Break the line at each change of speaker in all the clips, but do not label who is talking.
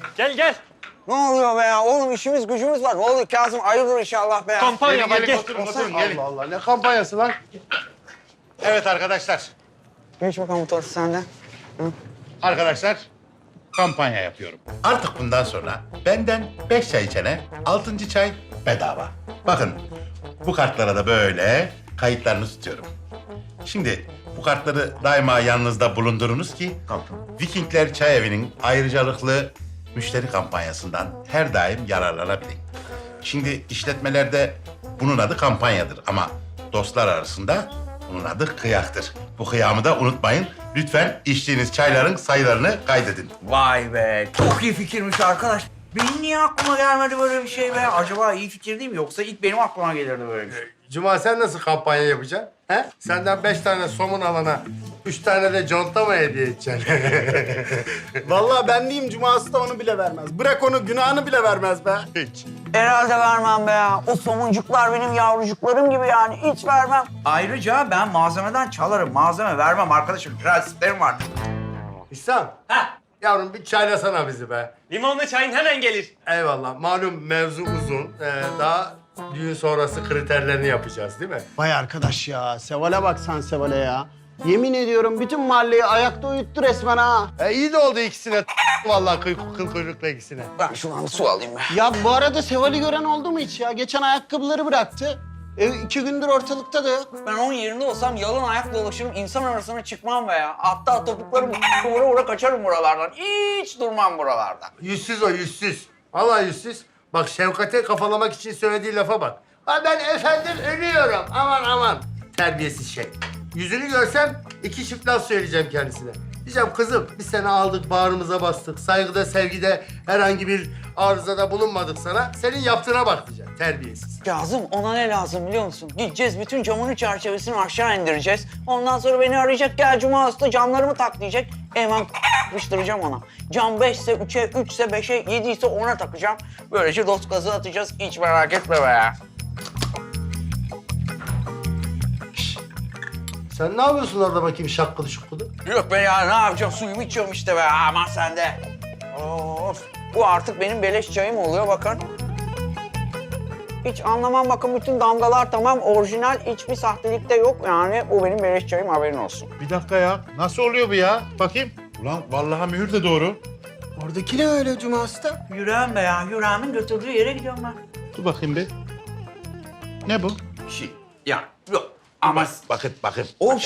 Gel gel.
Ne oluyor be ya? Oğlum işimiz gücümüz var. Ne oluyor Kazım? Hayırdır inşallah be ya.
Kampanya var gel.
Gelin. Allah Allah ne kampanyası lan?
Evet arkadaşlar.
Geç bakalım bu tortu sende.
Arkadaşlar kampanya yapıyorum. Artık bundan sonra benden 5 çay içene 6. çay bedava. Bakın bu kartlara da böyle kayıtlarını tutuyorum. Şimdi bu kartları daima yanınızda bulundurunuz ki Vikingler Çay Evi'nin ayrıcalıklı müşteri kampanyasından her daim yararlanabilin. Şimdi işletmelerde bunun adı kampanyadır ama dostlar arasında bunun adı kıyaktır. Bu kıyamı da unutmayın. Lütfen içtiğiniz çayların sayılarını kaydedin.
Vay be, çok iyi fikirmiş arkadaş. Benim niye aklıma gelmedi böyle bir şey be? Acaba iyi fikir değil mi? Yoksa ilk benim aklıma gelirdi böyle bir şey.
Cuma sen nasıl kampanya yapacaksın? He? Senden 5 tane somun alana 3 tane de conta mı hediye edeceksin?
Vallahi ben diyeyim Cuma'sı da onu bile vermez. Bırak onu günahını bile vermez be.
Hiç.
Herhalde vermem be ya. O somuncuklar benim yavrucuklarım gibi yani. Hiç vermem.
Ayrıca ben malzemeden çalarım. Malzeme vermem arkadaşım. Prensiplerim var.
İhsan.
Ha.
Yavrum bir çaylasana bizi be.
Limonlu çayın hemen gelir.
Eyvallah. Malum mevzu uzun. Daha düğün sonrası kriterlerini yapacağız değil mi?
Vay arkadaş ya. Seval'e bak sen Seval'e ya. Yemin ediyorum bütün mahalleyi ayakta uyuttu resmen ha.
İyi de oldu ikisine. Vallahi kıl kuyrukla ikisine.
Ben şuradan su alayım be.
Ya bu arada Seval'i gören oldu mu hiç ya? Geçen ayakkabıları bıraktı. 2 gündür ortalıkta da yok.
Ben onun yerinde olsam yalın ayak dolaşırım. İnsan arasına çıkmam be ya. Hatta topuklarım vura vura kaçarım buralardan. Hiç durmam buralarda.
Yüzsüz o, yüzsüz. Vallahi yüzsüz. Bak Şevkat'e kafalamak için söylediği lafa bak. Ha ben efendim ölüyorum. Aman aman. Terbiyesiz şey. Yüzünü görsem 2 çift laf söyleyeceğim kendisine. Diyeceğim kızım biz seni aldık bağrımıza bastık. Saygıda sevgide herhangi bir arızada bulunmadık sana. Senin yaptığına bak diyeceğim. Terbiyesiz.
Kazım ona ne lazım biliyor musun? Gideceğiz bütün camının çerçevesini aşağı indireceğiz. Ondan sonra beni arayacak gel Cuma usta camlarımı tak diyecek. Hemen yapıştıracağım ona. Cam 5 ise 3'e, 3 ise 5'e, 7 ise 10'a takacağım. Böylece dost gazı atacağız. Hiç merak etme be ya.
Sen ne yapıyorsun orada bakayım şakkılı şukkılı?
Yok be ya ne yapacağım? Suyumu içiyorum işte be. Aman sen de. Of. Bu artık benim beleş çayım oluyor bakın. Hiç anlamam bakın bütün damgalar tamam orijinal hiçbir sahtelik de yok yani bu benim beleş çayım haberin olsun.
Bir dakika ya. Nasıl oluyor bu ya? Bakayım. Ulan vallahi mühür de doğru.
Oradaki ne öyle Cuma'sı da?
Yüreğim be ya. Yüreğimin götürdüğü yere gidiyorum ben.
Dur bakayım bir. Ne bu?
Ya yok. Ama
Bakın.
o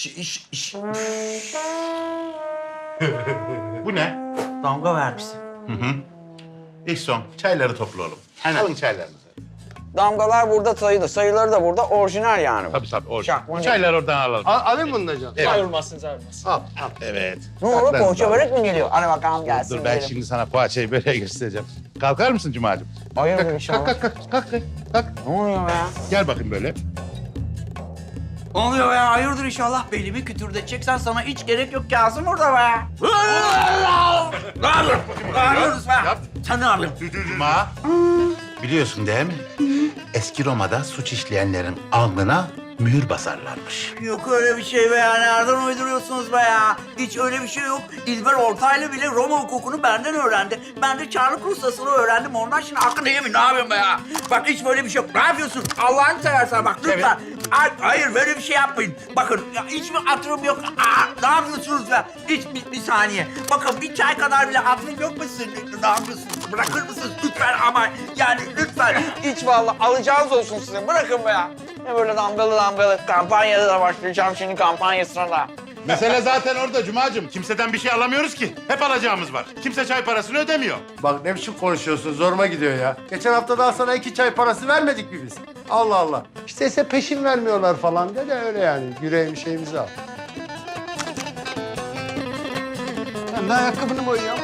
Bu ne?
damga vermişsin.
İlk son. Çayları topla oğlum. Alın çaylarınızı.
Damgalar burada sayılı, sayıları da burada orijinal yani bu.
Tabii orada.
Şak,
Çayları oradan alalım.
Alayım bunu da canım.
Evet.
Ayrılmazsın.
Al.
Evet.
Ne olur
Ben-
poğaça börek mi geliyor? Hadi bakalım gelsin.
Dur ben
yiyelim.
şimdi sana poğaçayı böyle göstereceğim. Kalkar mısın Cuma'cığım?
Hayırdır inşallah.
Kalk.
Ne oluyor be ya?
Gel bakayım böyle.
Ne oluyor ya? Hayırdır inşallah. Belimi kütürdeteceksen sana hiç gerek yok Kazım orada be. Ne yapıyorsun? Ne yapıyorsunuz be? Sen ne yapıyorsun?
Cuma. Biliyorsun değil mi? Eski Roma'da suç işleyenlerin alnına mühür basarlarmış.
Yok öyle bir şey be ya. Nereden uyduruyorsunuz be ya? Hiç öyle bir şey yok. İlber Ortaylı bile Roma hukukunu benden öğrendi. Ben de Çarlık Rustası'nı öğrendim. Ondan şimdi hakkını yemin. Ne yapıyorsun be ya? Bak hiç böyle bir şey yok. Ne yapıyorsun? Allah'ını seversen bak lütfen. Hayır böyle bir şey yapmayın. Bakın ya, hiç mi hatırım yok? Ne yapıyorsunuz be? Hiç bir saniye. Bakın bir çay kadar bile hatırım yok mu sizin? Ne yapıyorsunuz? Bırakır mısınız? Lütfen ama yani lütfen.
Hiç vallahi alacağınız olsun sizin. Bırakın be ya. Ne böyle damgalı kampanyada da başlayacağım şimdi kampanyasına da.
Mesele zaten orada Cuma'cığım. Kimseden bir şey alamıyoruz ki. Hep alacağımız var. Kimse çay parasını ödemiyor.
Bak ne biçim konuşuyorsun zoruma gidiyor ya. Geçen hafta daha sana 2 çay parası vermedik mi biz? Allah Allah. İşte ise peşin vermiyorlar falan de öyle yani. Yüreğim şeyimizi al.
Ben de ayakkabını boyuyorum.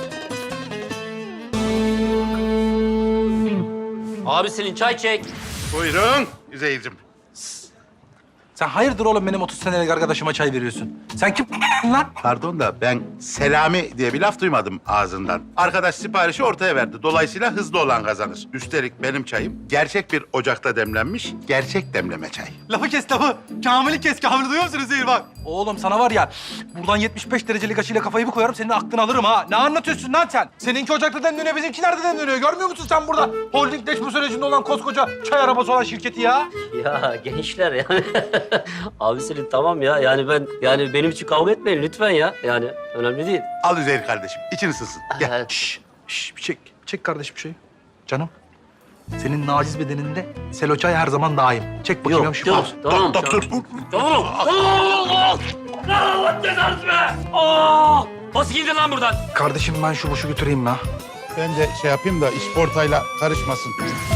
Abi Selin çay çek.
Buyurun Üzeyir'cim.
Sen hayırdır oğlum benim 30 senelik arkadaşıma çay veriyorsun? Sen kim lan?
Pardon da ben Selami diye bir laf duymadım ağzından. Arkadaş siparişi ortaya verdi. Dolayısıyla hızlı olan kazanır. Üstelik benim çayım gerçek bir ocakta demlenmiş, gerçek demleme çay.
Lafı kes lafı. Kamil'i kes. Kamil'i duyuyor musunuz Zehir bak? Oğlum sana var ya buradan 75 derecelik açıyla kafayı bir koyarım senin aklını alırım ha. Ne anlatıyorsun lan sen? Seninki ocakta demleniyor bizimki nerede demleniyor? Görmüyor musun sen burada holdingleşme sürecinde olan koskoca çay arabası olan şirketi ya?
Ya gençler yani. Abi Selin tamam ya. Yani benim için kavga etmeyin lütfen ya. Yani önemli değil.
Al Üzeyir kardeşim, için ısınsın. Gel.
Evet.
Şş, bir çek. Çek kardeşim bir şey. Canım. Senin naciz bedeninde selo çay her zaman daim. Çek bakayım
Yok
şu
yok.
fazla.
Tamam.
Dur.
Tamam. Allah cezanızı be. Aa! Nasıl gidin lan buradan?
Kardeşim ben şu boşu götüreyim ya.
Ben de şey yapayım da işportayla karışmasın.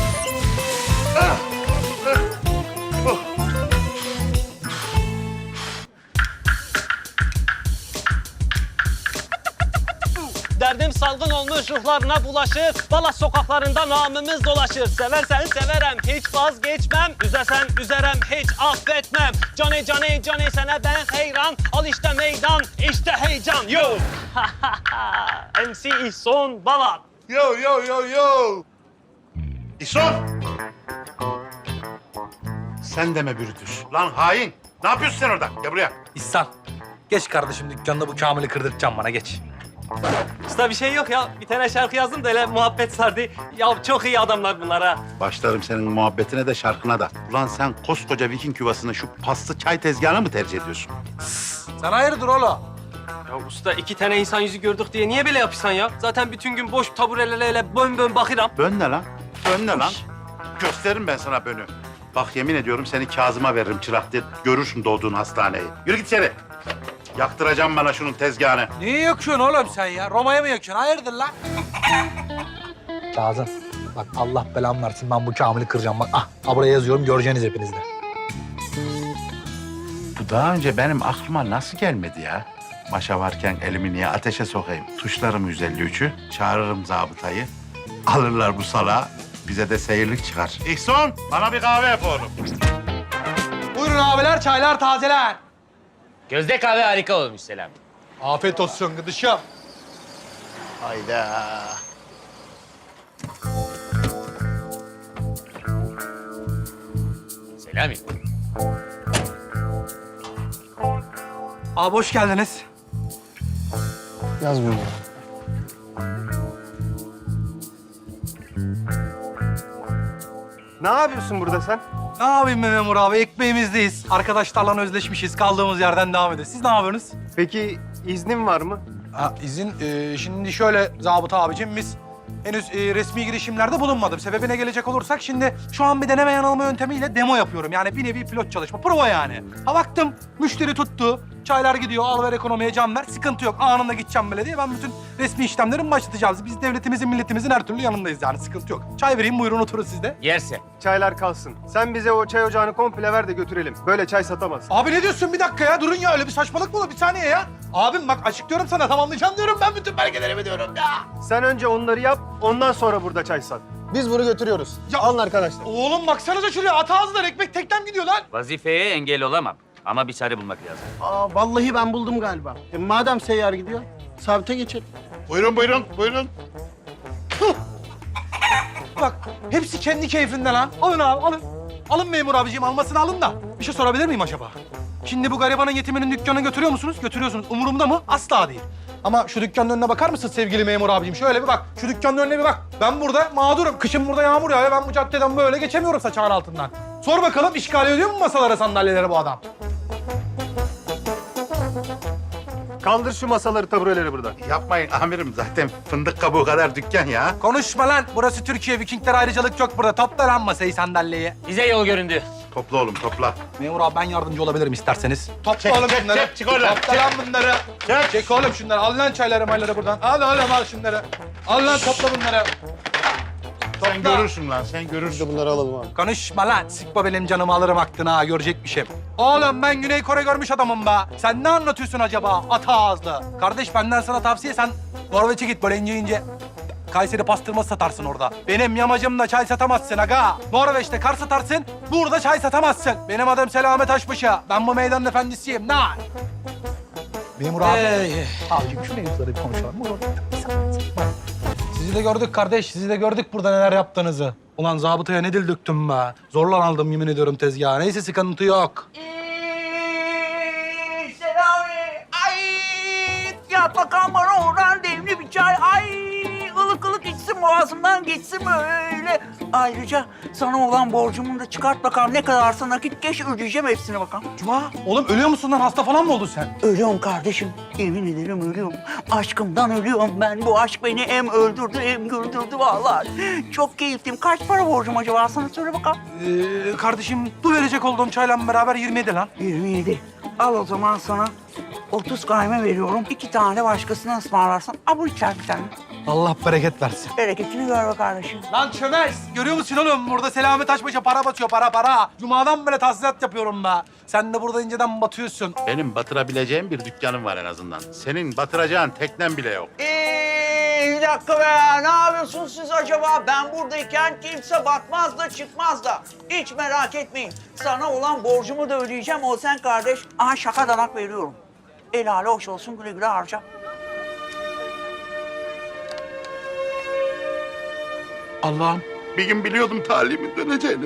Derdim salgın olmuş ruhlarına bulaşır. Balas sokaklarında namımız dolaşır. Seversen severem hiç vazgeçmem. Üzersen üzerem hiç affetmem. Johnny Johnny Johnny sana ben hayran. Al işte meydan işte heyecan. Yo. MC İhson Balat.
Yo. İson! Sen deme Brutus. Lan hain. Ne yapıyorsun sen orada? Gel buraya.
İhsan. Geç kardeşim dükkanında bu Kamil'i kırdırtacağım bana geç.
Usta bir şey yok ya. Bir tane şarkı yazdım da öyle muhabbet sardı. Ya çok iyi adamlar bunlar ha.
Başlarım senin muhabbetine de şarkına da. Ulan sen koskoca Viking yuvasını şu paslı çay tezgahına mı tercih ediyorsun?
Sen hayırdır oğlum?
Ya usta 2 tane insan yüzü gördük diye niye böyle yapıyorsun ya? Zaten bütün gün boş taburelerle bön bakıram.
Bön ne lan? Bön ne lan? Gösteririm ben sana bönü. Bak yemin ediyorum seni Kazım'a veririm çırak diye. Görürsün doğduğun hastaneyi. Yürü git içeri. Yaktıracağım bana şunun tezgahını.
Niye yakıyorsun oğlum sen ya? Roma'ya mı yakıyorsun? Hayırdır lan? Kazım, bak Allah belamı versin ben bu Kamil'i kıracağım. Bak buraya yazıyorum göreceğiniz hepiniz de.
Bu daha önce benim aklıma nasıl gelmedi ya? Maşa varken elimi niye ateşe sokayım? Tuşlarım 153'ü, çağırırım zabıtayı. Alırlar bu salağı, bize de seyirlik çıkar. İhson, bana bir kahve yap oğlum.
Buyurun abiler, çaylar tazeler.
Gözde kahve harika olmuş Selam.
Afiyet olsun gıdışım.
Hayda.
Selami.
Abi hoş geldiniz.
Yazmıyorum.
Ne yapıyorsun burada sen?
Ne yapayım be memur abi? Ekmeğimizdeyiz. Arkadaşlarla özleşmişiz. Kaldığımız yerden devam ediyoruz. Siz ne yapıyorsunuz?
Peki iznin var mı?
İzin şimdi şöyle zabıta abicim biz henüz resmi girişimlerde bulunmadım. Sebebine gelecek olursak şimdi şu an bir deneme yanılma yöntemiyle demo yapıyorum. Yani bir nevi pilot çalışma, prova yani. Ha baktım müşteri tuttu, çaylar gidiyor, al ver ekonomiye can ver, sıkıntı yok. Anında gideceğim belediye, ben bütün resmi işlemlerimi başlatacağız. Biz devletimizin, milletimizin her türlü yanındayız yani sıkıntı yok. Çay vereyim buyurun oturun siz de.
Yerse.
Çaylar kalsın. Sen bize o çay ocağını komple ver de götürelim. Böyle çay satamazsın.
Abi ne diyorsun bir dakika ya? Durun ya öyle bir saçmalık mı olur? Bir saniye ya. Abim bak açıklıyorum sana tamamlayacağım diyorum ben bütün belgelerimi diyorum ya.
Sen önce onları yap, ondan sonra burada çay sat.
Biz bunu götürüyoruz.
Ya-
Alın arkadaşlar.
Oğlum baksanıza şuraya at ağzından ekmek teknem gidiyor lan.
Vazifeye engel olamam. Ama bir çare bulmak lazım.
Vallahi ben buldum galiba. Madem seyyar gidiyor, sabite geçelim.
Buyurun.
Bak hepsi kendi keyfinden ha. Alın abi alın. Alın memur abiciğim almasını alın da. Bir şey sorabilir miyim acaba? Şimdi bu garibanın yetiminin dükkanına götürüyor musunuz? Götürüyorsunuz. Umurumda mı? Asla değil. Ama şu dükkanın önüne bakar mısın sevgili memur abiciğim? Şöyle bir bak. Şu dükkanın önüne bir bak. Ben burada mağdurum. Kışın burada yağmur yağıyor. Ben bu caddeden böyle geçemiyorum saçağın altından. Sor bakalım işgal ediyor mu masalara, sandalyelere bu adam?
Kaldır şu masaları, tabureleri buradan.
Yapmayın amirim zaten fındık kabuğu kadar dükkan ya.
Konuşma lan. Burası Türkiye. Vikingler ayrıcalık yok burada. Topla lan masayı, sandalyeyi.
Bize yol göründü.
Topla oğlum topla.
Memur abi ben yardımcı olabilirim isterseniz. Topla
Çek,
oğlum
çek,
şunları.
çek, çık oradan.
Topla lan bunları.
Çek.
Çek oğlum şunları. Al lan çayları mayları buradan. Al oğlum al şunları. Al lan topla bunları.
Sen görürsün lan sen
Biz
görürsün.
de bunları alalım abi.
Konuşma lan. Sıkma benim canımı alırım aklına ha. Görecekmişim. Oğlum ben Güney Kore görmüş adamım be. Sen ne anlatıyorsun acaba? Ata ağızlı. Kardeş benden sana tavsiye sen Norveç'e git böyle ince. Kayseri pastırması satarsın orada. Benim yamacımda çay satamazsın aga. Norveç'te kar satarsın, burada çay satamazsın. Benim adım Selamet Aşbaşı. Ben bu meydanın efendisiyim. Ne? Memur abi. Abicim şu mevzuları bir konuşalım. Sizi de gördük kardeş, sizi de gördük burada neler yaptığınızı. Ulan zabıtaya ne dil döktüm be. Zorla aldım yemin ediyorum tezgaha. Neyse sıkıntı yok.
Selami. Ay yat bakalım bana oradan demli bir çay. Ay ılık ılık içsin boğazımdan geçsin böyle. Ayrıca sana olan borcumu da çıkart bakalım. Ne kadarsa nakit geç ödeyeceğim hepsini bakalım.
Cuma, oğlum ölüyor musun lan? Hasta falan mı oldun sen?
Ölüyorum kardeşim. Yemin ederim ölüyorum. Aşkımdan ölüyorum ben. Bu aşk beni hem öldürdü hem güldürdü vallahi. Çok keyifliyim. Kaç para borcum acaba? Sana söyle bakalım.
Kardeşim bu verecek olduğum çayla beraber 27 lan.
27. Al o zaman sana 30 kayme veriyorum. 2 tane başkasına ısmarlarsan. Al bu içer bir tane.
Allah bereket versin.
Bereketini gör be kardeşim.
Lan çömez. Görüyor musun oğlum? Burada Selami Taşbaş'a para batıyor, para. Cuma'dan böyle tahsilat yapıyorum be. Sen de burada inceden batıyorsun.
Benim batırabileceğim bir dükkanım var en azından. Senin batıracağın teknen bile yok.
Bir dakika be. Ne yapıyorsunuz siz acaba? Ben buradayken kimse batmaz da çıkmaz da. Hiç merak etmeyin. Sana olan borcumu da ödeyeceğim. O sen kardeş. Aha şaka danak veriyorum. El hali hoş olsun, güle güle harca.
Allah'ım bir gün biliyordum talimin döneceğini.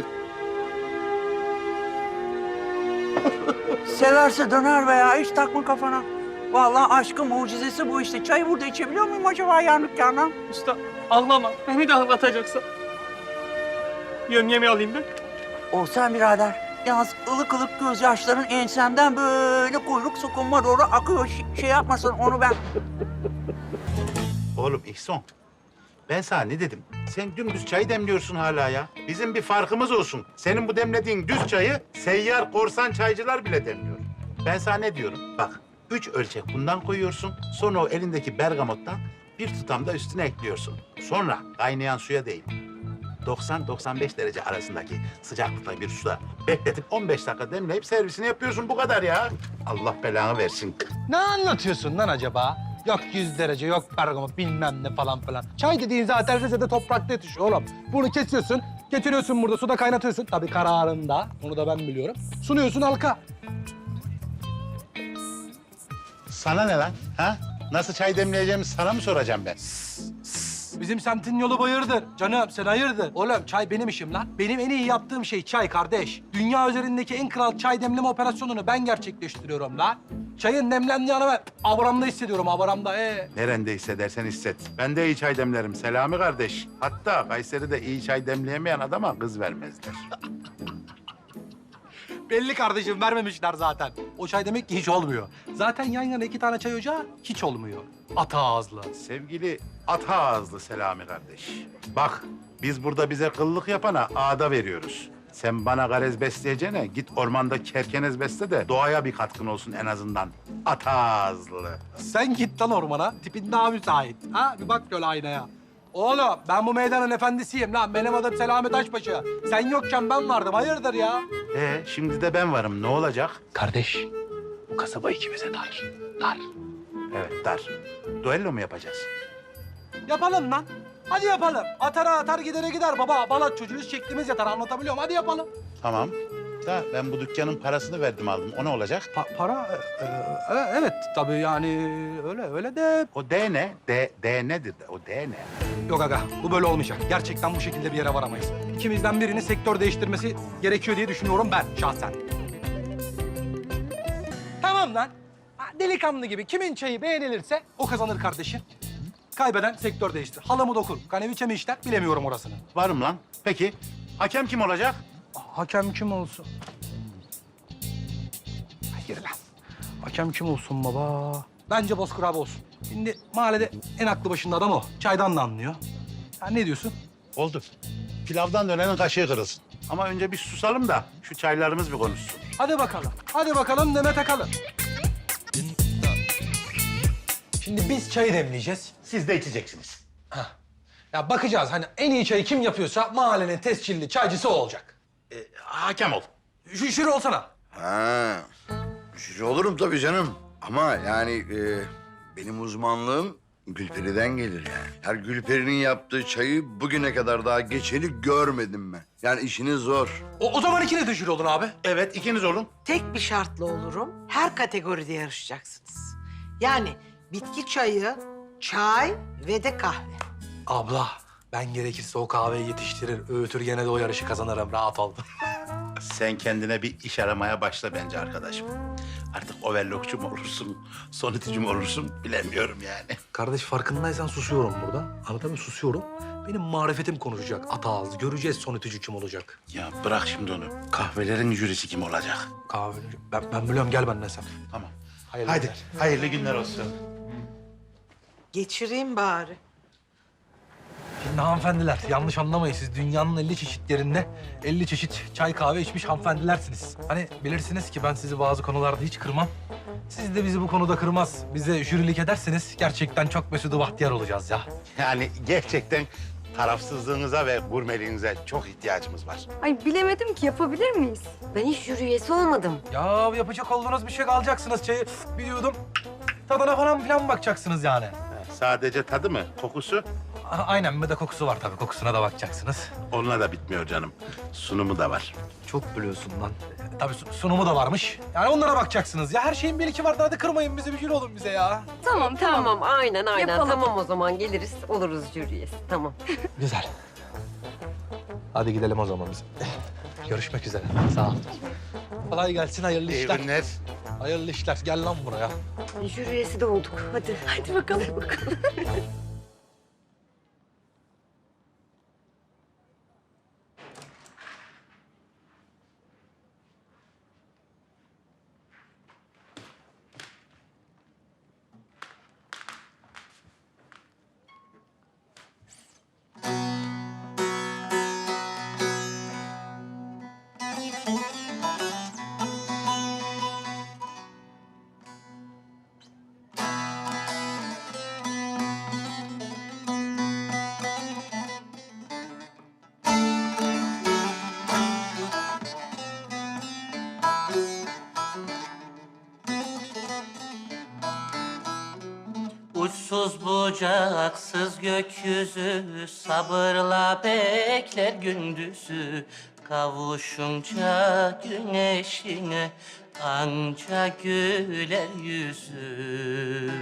Severse döner be ya. Hiç takma kafana. Vallahi aşkın mucizesi bu işte. Çayı burada içebiliyor muyum acaba yan dükkandan?
Usta ağlama. Beni de ağlatacaksan. Yömyemi alayım ben.
O sen birader. Yalnız ılık ılık gözyaşların ensemden böyle kuyruk sokunma doğru akıyor. Şey yapmasın onu ben.
Oğlum İhsan, ben sana ne dedim? Sen dümdüz çay demliyorsun hala ya. Bizim bir farkımız olsun. Senin bu demlediğin düz çayı seyyar korsan çaycılar bile demliyor. Ben sana ne diyorum? Bak, 3 ölçek bundan koyuyorsun. Sonra o elindeki bergamottan bir tutam da üstüne ekliyorsun. Sonra kaynayan suya değil, 90-95 derece arasındaki sıcaklıkta bir suda bekletip 15 dakika demleyip servisini yapıyorsun. Bu kadar ya. Allah belanı versin.
Ne anlatıyorsun lan acaba? Yok 100 derece, yok bergamot bilmem ne falan filan. Çay dediğin zaten Rize'de toprakta yetişiyor oğlum. Bunu kesiyorsun, getiriyorsun burada suda kaynatıyorsun. Tabii kararında, onu da ben biliyorum. Sunuyorsun halka.
Sana ne lan? Ha? Nasıl çay demleyeceğimi sana mı soracağım ben?
Bizim semtin yolu bayırdır. Canım sen hayırdır? Oğlum çay benim işim lan. Benim en iyi yaptığım şey çay kardeş. Dünya üzerindeki en kral çay demleme operasyonunu ben gerçekleştiriyorum lan. Çayın demlendiği anı ben abramda hissediyorum, abramda.
Nerede hissedersen hisset. Ben de iyi çay demlerim Selami kardeş. Hatta Kayseri'de iyi çay demleyemeyen adama kız vermezler.
Belli kardeşim, vermemişler zaten. O çay demek ki hiç olmuyor. Zaten yan yana 2 tane çay ocağı hiç olmuyor. Ata ağızlı.
Sevgili ata ağızlı Selami kardeş. Bak biz burada bize kıllık yapana ağda veriyoruz. Sen bana garez besleyeceğine git ormanda kerkenez besle de doğaya bir katkın olsun en azından. Ata ağızlı.
Sen git lan ormana, tipin daha müsait. Ha, bir bak şöyle aynaya. Oğlum, ben bu meydanın efendisiyim lan. Benim adım Selami Taşbaşı. Sen yokken ben vardım, hayırdır ya?
Şimdi de ben varım. Ne olacak?
Kardeş, bu kasaba ikimize dar. Dar.
Evet, dar. Duello mu yapacağız?
Yapalım lan. Hadi yapalım. Atara atar, gidere gider baba. Balat çocuğuyuz, şeklimiz yatar. Anlatabiliyor muyum? Hadi yapalım.
Tamam. Da ben bu dükkanın parasını verdim aldım. O ne olacak?
Para? Evet tabii yani öyle de...
O D ne? D nedir? O D ne?
Yok aga, bu böyle olmayacak. Gerçekten bu şekilde bir yere varamayız. İkimizden birinin sektör değiştirmesi gerekiyor diye düşünüyorum ben şahsen. Tamam lan. Delikanlı gibi kimin çayı beğenilirse o kazanır kardeşim. Kaybeden sektör değiştir. Halamı dokur. Kaneviçe mi işler bilemiyorum orasını.
Varım lan. Peki hakem kim olacak?
Hakem kim olsun? Hayır lan. Hakem kim olsun baba? Bence Bozkır abi olsun. Şimdi mahallede en aklı başında adam o. Çaydan da anlıyor. Sen ne diyorsun?
Oldu. Pilavdan dönenin kaşığı kırılsın. Ama önce bir susalım da şu çaylarımız bir konuşsun.
Hadi bakalım. Hadi bakalım Demet Akalın. Şimdi biz çayı demleyeceğiz.
Siz de içeceksiniz.
Ya bakacağız hani en iyi çayı kim yapıyorsa mahallenin tescilli çaycısı o olacak.
Hakem ol.
Jüri olsana.
Ha, jüri olurum tabii canım. Ama yani benim uzmanlığım Gülperi'den gelir yani. Her Gülperi'nin yaptığı çayı bugüne kadar daha geçeni görmedim ben. Yani işiniz zor.
O zaman ikiniz de jüri olun abi.
Evet ikiniz olun.
Tek bir şartla olurum. Her kategoride yarışacaksınız. Yani bitki çayı, çay ve de kahve.
Abla, ben gerekirse o kahveyi yetiştirir, öğütür gene de o yarışı kazanırım. Rahat ol.
Sen kendine bir iş aramaya başla bence arkadaşım. Artık overlockçu mu olursun, sonitici mi olursun bilemiyorum yani.
Kardeş farkındaysan susuyorum burada. Anladın mı? Susuyorum. Benim marifetim konuşacak. Ata ağız. Göreceğiz son ütücü kim olacak.
Ya bırak şimdi onu. Kahvelerin jürisi kim olacak?
Kahve. Ben biliyorum. Gel benden sen.
Tamam.
Hayırlı
Haydi,
günler.
hayırlı günler olsun.
Geçireyim bari.
Şimdi hanımefendiler yanlış anlamayın. Siz dünyanın 50 çeşit yerinde 50 çeşit çay kahve içmiş hanımefendilersiniz. Hani bilirsiniz ki ben sizi bazı konularda hiç kırmam. Siz de bizi bu konuda kırmaz, bize jürilik ederseniz gerçekten çok mesut bahtiyar olacağız ya.
Yani gerçekten tarafsızlığınıza ve gurmeliğinize çok ihtiyacımız var.
Ay bilemedim ki yapabilir miyiz? Ben hiç jüri üyesi olmadım.
Ya yapacak olduğunuz bir şey alacaksınız çayı. Bir yudum tadına falan filan bakacaksınız yani.
Sadece tadı mı, kokusu?
Aynen bir de kokusu var tabii. Kokusuna da bakacaksınız.
Onunla da bitmiyor canım. Sunumu da var.
Çok biliyorsun lan. Tabii sunumu da varmış. Yani onlara bakacaksınız. Ya her şeyin bir iki vardı. Hadi kırmayın bizi, bir jüri olun bize ya.
Tamam
Tamam, aynen.
Yapalım.
Tamam o zaman geliriz, oluruz jüri üyesi. Tamam.
Güzel. Hadi gidelim o zaman biz. Görüşmek üzere. Sağ ol. Kolay gelsin, hayırlı
İyi
işler.
günler.
Hayırlı işler. Gel lan buraya.
Jüri üyesi de olduk. Hadi. Hadi bakalım.
Uçsuz bucaksız gökyüzü sabırla bekler gündüzü. Kavuşunca güneşine anca güler yüzü.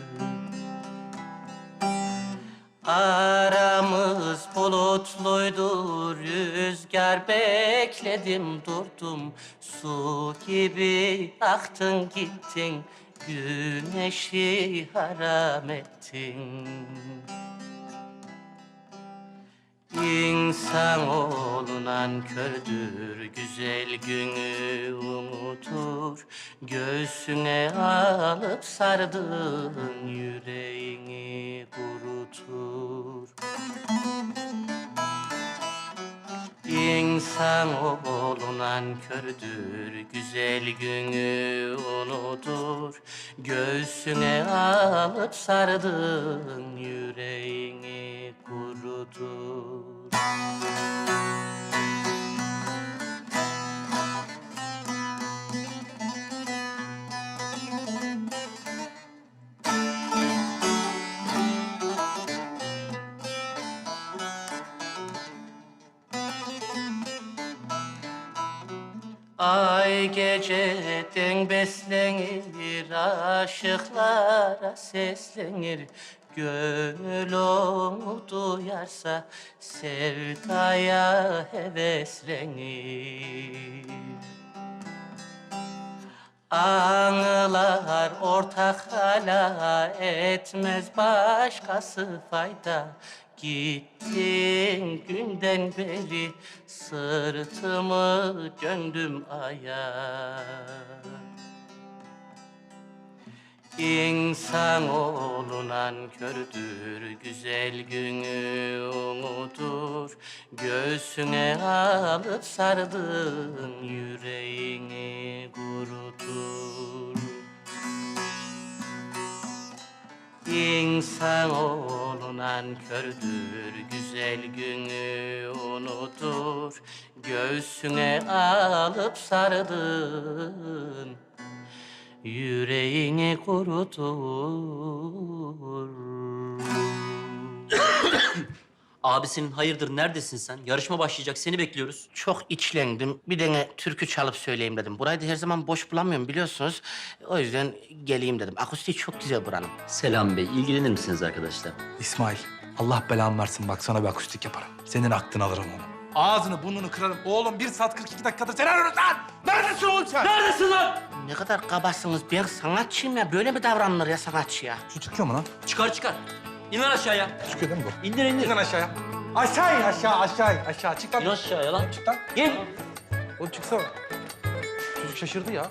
Aramız bulutluydu, rüzgar bekledim durdum. Su gibi aktın gittin, güneşi haram ettin. İnsanoğlu nankördür, güzel günü unutur. Göğsüne alıp sardığın yüreğini kurutur. İnsanoğlu nankördür, güzel günü unutur. Göğsüne alıp sardığın yüreğini kurutur. Ay geceden beslenir, aşıklara seslenir. Gönül onu duyarsa sevdaya heveslenir. Anılar ortak hala etmez başkası fayda. Gittin günden beri sırtımı döndüm aya. İnsanoğlu nankördür, güzel günü unutur. Göğsüne alıp sardığın yüreğini kurutur. İnsanoğlu nankördür, güzel günü unutur. Göğsüne alıp sardığın yüreğini kurutur. Abisinin hayırdır neredesin sen? Yarışma başlayacak seni bekliyoruz.
Çok içlendim. Bir tane türkü çalıp söyleyeyim dedim. Burayı da her zaman boş bulamıyorum biliyorsunuz. O yüzden geleyim dedim. Akustiği çok güzel buranın.
Selam Bey ilgilenir misiniz arkadaşlar?
İsmail, Allah belanı versin bak sana bir akustik yaparım. Senin aklını alırım onu. Ağzını burnunu kırarım. Oğlum 1 saat 42 dakikadır seni arıyoruz lan! Neredesin oğlum sen?
Neredesin lan?
Ne kadar kabasınız. Ben sanatçıyım ya. Böyle mi davranılır ya sanatçıya?
Şu çıkıyor mu lan?
Çıkar. İn lan aşağıya.
Çıkıyor değil mi bu?
İndir.
İn lan aşağıya. Aşağı in aşağı. Çık lan.
İn aşağıya lan.
Çık lan.
İn.
Oğlum çıksana. Çocuk şaşırdı ya.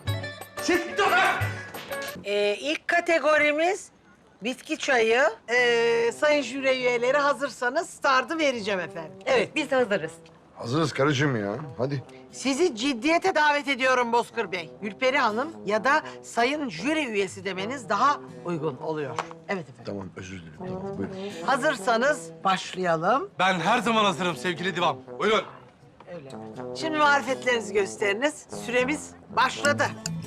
İlk kategorimiz bitki çayı. Sayın jüri üyeleri hazırsanız startı vereceğim efendim. Evet.
Biz hazırız.
Hazırız karıcığım ya. Hadi.
Sizi ciddiyete davet ediyorum Bozkır Bey. Gülperi Hanım ya da sayın jüri üyesi demeniz daha uygun oluyor. Evet efendim.
Tamam özür dilerim. Tamam buyurun.
Hazırsanız başlayalım.
Ben her zaman hazırım sevgili divan. Buyurun.
Öyle. Şimdi marifetlerinizi gösteriniz. Süremiz başladı.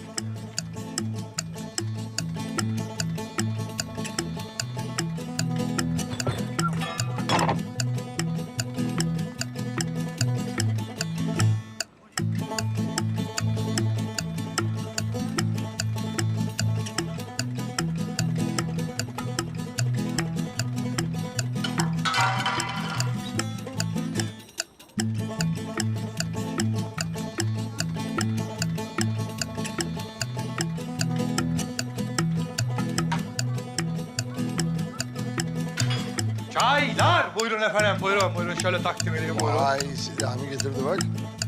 Çaylar. Buyurun efendim, buyurun. Şöyle takdim edeyim, buyurun.
Vay Selami getirdi bak.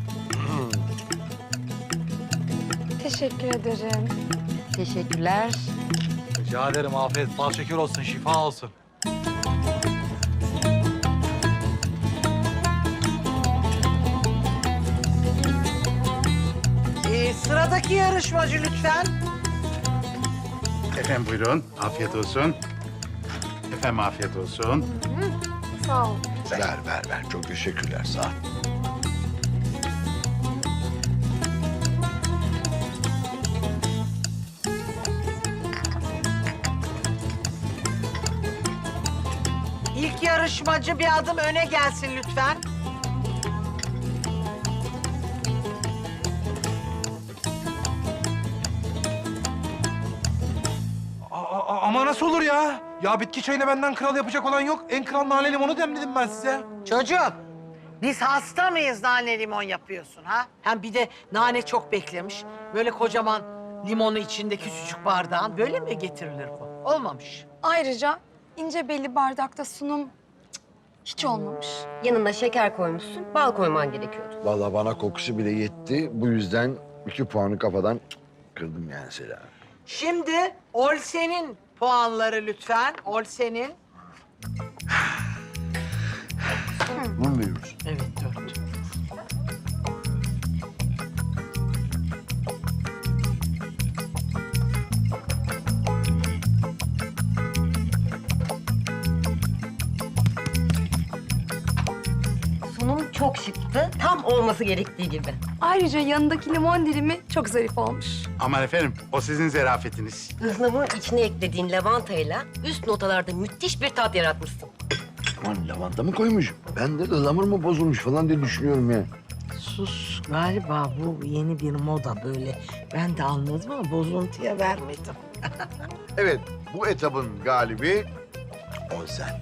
Teşekkür ederim.
Teşekkürler.
Rica ederim, afiyet, bal şeker olsun, şifa olsun.
Sıradaki yarışmacı lütfen.
Efendim buyurun. Afiyet olsun. Efendim afiyet olsun.
Sağ ol.
Ver. Çok teşekkürler. Sağ ol.
İlk yarışmacı bir adım öne gelsin lütfen.
Ama nasıl olur ya? Ya bitki çayını benden kral yapacak olan yok. En kral nane limonu demledim ben size.
Çocuğum, biz hasta mıyız nane limon yapıyorsun ha? Hem bir de nane çok beklemiş. Böyle kocaman limonu içinde küçücük bardağın böyle mi getirilir bu? Olmamış.
Ayrıca ince belli bardakta sunum hiç olmamış.
Yanına şeker koymuşsun, bal koyman gerekiyordu.
Vallahi bana kokusu bile yetti. Bu yüzden 2 puanı kafadan kırdım yani Selami.
Şimdi Olsen'in puanları lütfen. Olsen'in.
Bunu mu veriyoruz?
Evet, 4.
Sunum çok şıktı, tam olması gerektiği gibi.
Ayrıca yanındaki limon dilimi çok zarif olmuş.
Aman efendim o sizin zerafetiniz.
Ihlamurun içine eklediğin lavantayla üst notalarda müthiş bir tat yaratmışsın.
Aman lavanta mı koymuş? Ben de ıhlamur mu bozulmuş falan diye düşünüyorum ya.
Sus. Galiba bu yeni bir moda böyle. Ben de anladım ama bozuntuya vermedim.
Evet, bu etabın galibi Olsen.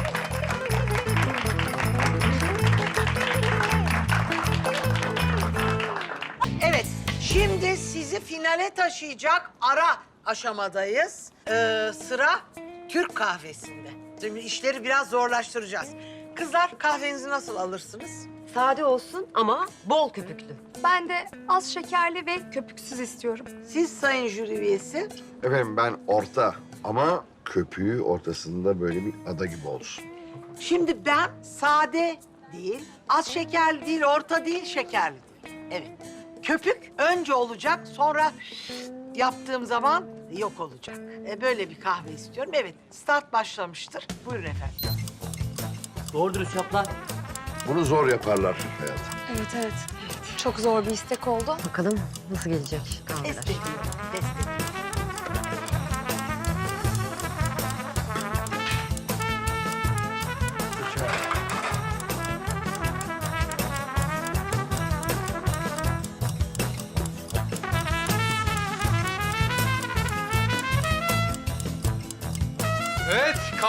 Evet, şimdi sizi finale taşıyacak ara aşamadayız. Sıra Türk kahvesinde. Şimdi işleri biraz zorlaştıracağız. Kızlar kahvenizi nasıl alırsınız?
Sade olsun ama bol köpüklü.
Ben de az şekerli ve köpüksüz istiyorum.
Siz sayın jüri üyesi.
Efendim ben orta ama köpüğü ortasında böyle bir ada gibi olsun.
Şimdi ben sade değil, az şekerli değil, orta değil, şekerli değil. Evet. Köpük önce olacak, sonra yaptığım zaman yok olacak. Böyle bir kahve istiyorum. Evet, start başlamıştır. Buyurun efendim.
Doğru dürüst yap lan.
Bunu zor yaparlar hayatım.
Evet. Çok zor bir istek oldu.
Bakalım nasıl gelecek kahveler.
Destekliyorum, destekliyorum.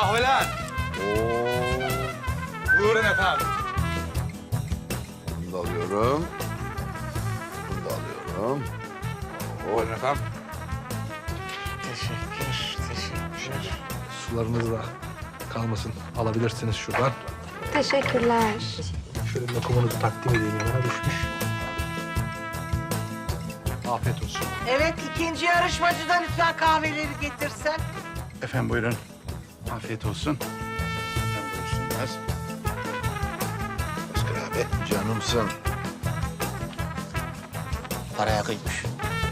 kahveler. Buyurun efendim.
Bunu da alıyorum. Bunu da alıyorum.
Buyurun efendim.
Teşekkür.
Sularınız da kalmasın. Alabilirsiniz şuradan.
Teşekkürler.
Şöyle lokumunuzu takdim edeyim, yanına düşmüş. Afiyet olsun.
Evet, ikinci yarışmacı da lütfen kahveleri getirsen.
Efendim buyurun. Afiyet olsun. Efendim buyursunlar. Bozkır abi.
Canımsın.
Paraya kıymış.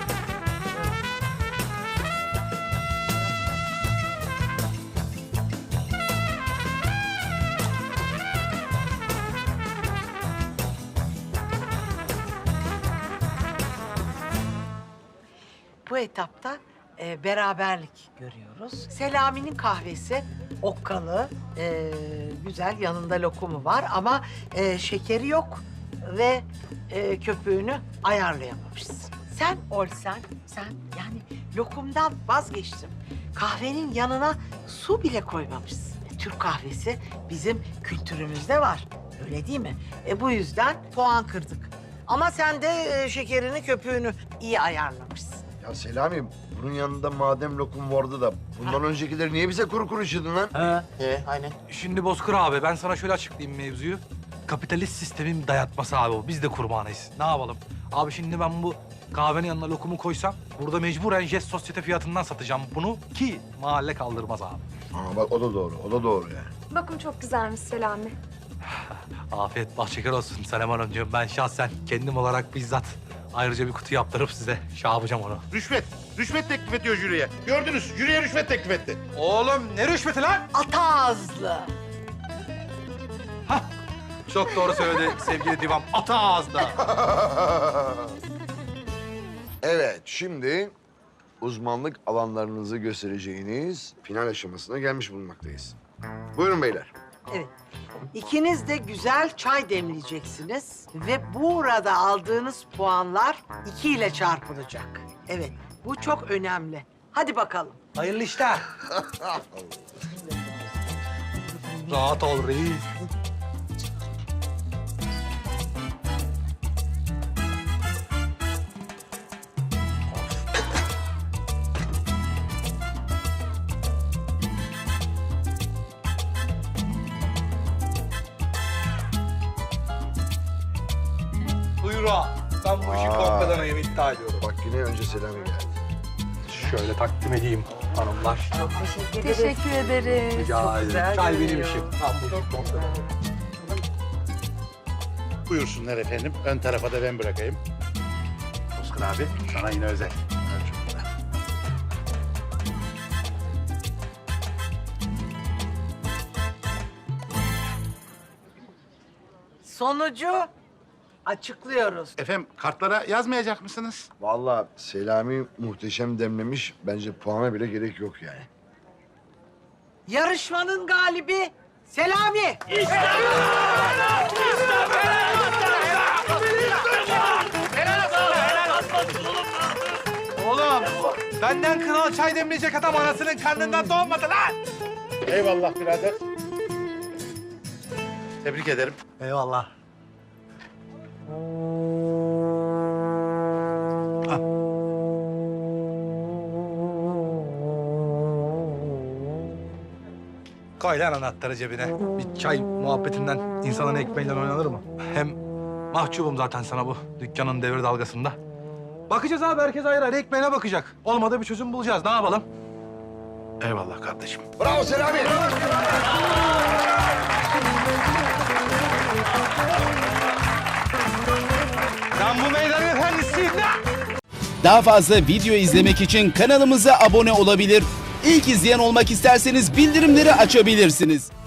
Bu etapta beraberlik görüyoruz. Selami'nin kahvesi okkalı, güzel, yanında lokumu var ama şekeri yok ve köpüğünü ayarlayamamışsın. Sen olsan, sen yani lokumdan vazgeçtim. Kahvenin yanına su bile koymamışsın. Türk kahvesi bizim kültürümüzde var, öyle değil mi? Bu yüzden puan kırdık. Ama sen de şekerini, köpüğünü iyi ayarlamışsın.
Ya Selami, bunun yanında madem lokum vardı da bundan öncekileri niye bize kuru kuru içirdin lan?
Aynen.
Şimdi Bozkır abi ben sana şöyle açıklayayım mevzuyu. Kapitalist sistemin dayatması abi o. Biz de kurbanıyız. Ne yapalım? Abi şimdi ben bu kahvenin yanına lokumu koysam burada mecburen Jest Sosyete fiyatından satacağım bunu ki mahalle kaldırmaz abi.
Aa bak o da doğru, o da doğru yani.
Lokum çok güzelmiş Selami.
Afiyet bal şeker olsun Senem Hanımcığım. Ben şahsen kendim olarak bizzat ayrıca bir kutu yaptırıp size şey yapacağım onu.
Rüşvet. Rüşvet teklif ediyor jüriye. Gördünüz, jüriye rüşvet teklif etti.
Oğlum ne rüşveti lan?
Ata ağızlı.
Çok doğru söyledi sevgili divam. Ata ağızda.
Evet, şimdi uzmanlık alanlarınızı göstereceğiniz final aşamasına gelmiş bulunmaktayız. Buyurun beyler.
Evet. İkiniz de güzel çay demleyeceksiniz ve burada aldığınız puanlar 2 ile çarpılacak. Evet, bu çok önemli. Hadi bakalım.
Hayırlı işler. Rahat ol reis. Buyur ağa. Ben bu işi kompedanayım iddia ediyorum.
Bak yine önce Selami geldi.
Şöyle takdim edeyim hanımlar.
Teşekkür ederiz.
Rica ederim. Çay benim işim. Ben bu işi kompedanayım.
Buyursunlar efendim. Ön tarafa da ben bırakayım. Bozkır abi, sana yine özel.
Sonucu açıklıyoruz.
Efendim, kartlara yazmayacak mısınız?
Vallahi Selami muhteşem demlemiş. Bence puana bile gerek yok yani.
Yarışmanın galibi Selami.
Oğlum, benden kral çay demleyecek adam anasının karnından doğmadı lan.
Eyvallah birader. Tebrik ederim.
Eyvallah. Koy lan anahtarı cebine. Bir çay muhabbetinden insanın ekmeğiyle oynanır mı? Hem mahcubum zaten sana bu dükkanın devir dalgasında. Bakacağız abi, herkes ayrı ayrı ekmeğine bakacak. Olmadı bir çözüm bulacağız, ne yapalım?
Eyvallah kardeşim.
Bravo Selami.
Ben bu meydanın efendisiyim lan!
Daha fazla video izlemek için kanalımıza abone olabilir. İlk izleyen olmak isterseniz bildirimleri açabilirsiniz.